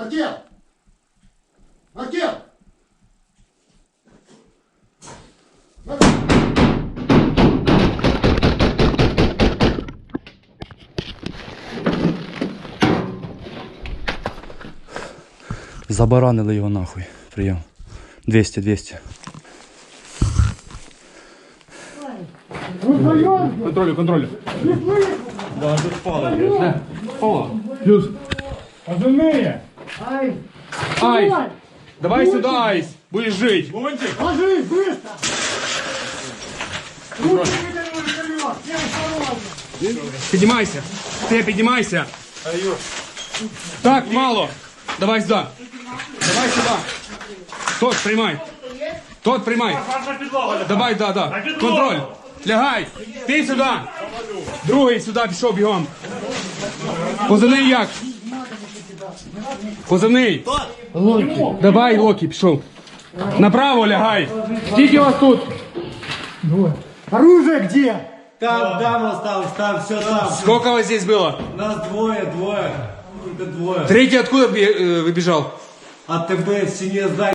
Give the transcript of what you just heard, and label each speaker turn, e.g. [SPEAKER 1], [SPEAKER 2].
[SPEAKER 1] Артем! Артем!
[SPEAKER 2] Забаранили його нахуй. Прийом. 200.
[SPEAKER 3] Контролю. Да, тут впало. Впало. Плюс. Пацаны! Айс! Давай сюда, Айс! Будешь жить! Лунтик!
[SPEAKER 1] Ложись, быстро!
[SPEAKER 3] Поднимайся! Ты поднимайся! Так, мало! Давай сюда! Давай сюда! Тот, приймай! Тот, приймай! Давай, да! Контроль! Лягай! Ти сюди! Другий сюди пішов бігом! Позивний як? Позивний! Давай, Локі, пішов! Направо лягай! Скільки вас тут?
[SPEAKER 1] Оружие где?
[SPEAKER 4] Там осталось, там, все там.
[SPEAKER 3] Сколько вас здесь было?
[SPEAKER 4] Нас двое. Только двое.
[SPEAKER 3] Третий откуда выбежал?
[SPEAKER 4] А ТБ в стене здания.